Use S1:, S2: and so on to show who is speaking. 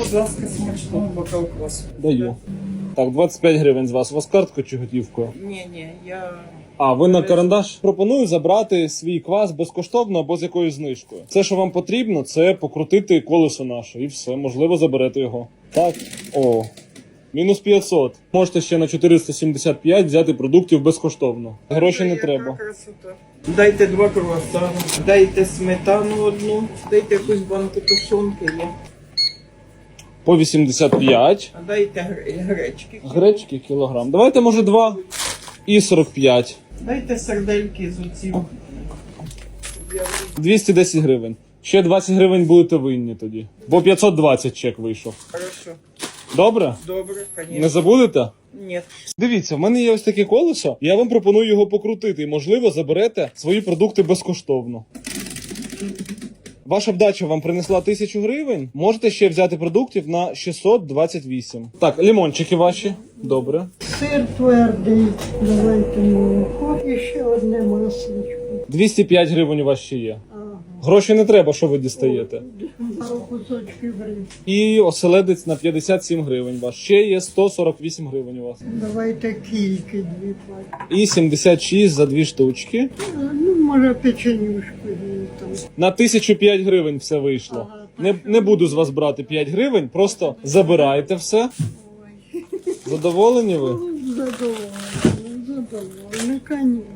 S1: Будь ласка, смачного бокал квасу.
S2: Даю. Так, 25 гривень з вас. У вас карткою чи готівкою?
S1: Ні, я...
S2: А, ви на карандаш? Пропоную забрати свій квас безкоштовно або з якоюсь знижкою. Все, що вам потрібно, це покрутити колесо наше і все, можливо, заберете його. Так, о, мінус 500. Можете ще на 475 взяти продуктів безкоштовно. Гроші не треба.
S1: Красота. Дайте 2 круасани, дайте сметану одну, дайте якусь банку тушонки є.
S2: По 85.
S1: А дайте гречки.
S2: Гречки кілограм. Давайте, може, 2 і 45.
S1: Дайте сардельки з оцім.
S2: 210 гривень. Ще 20 гривень будете винні тоді. Бо 520 чек вийшов.
S1: Хорошо.
S2: Добре?
S1: Добре,
S2: Не
S1: конечно.
S2: забудете?
S1: Ні.
S2: Дивіться, в мене є ось таке колесо, я вам пропоную його покрутити і, можливо, заберете свої продукти безкоштовно. Ваша вдача вам принесла 1000 гривень, можете ще взяти продуктів на 628. Так, лимончики ваші. Добре.
S3: Сир твердий, давайте молоко і ще одне масличко.
S2: 205 гривень у вас ще є.
S3: Ага.
S2: Гроші не треба, що ви дістаєте.
S3: Пару кусочків риб.
S2: І оселедець на 57 гривень ваш. Ще є 148 гривень у вас.
S3: Давайте кільки дві пачки.
S2: І 76 за 2 штучки.
S3: Ну, може, печенюшку її там.
S2: На 1005 гривень все вийшло. Не буду з вас брати 5 гривень, просто забирайте все. Задоволені ви?
S3: Задоволена, конечно.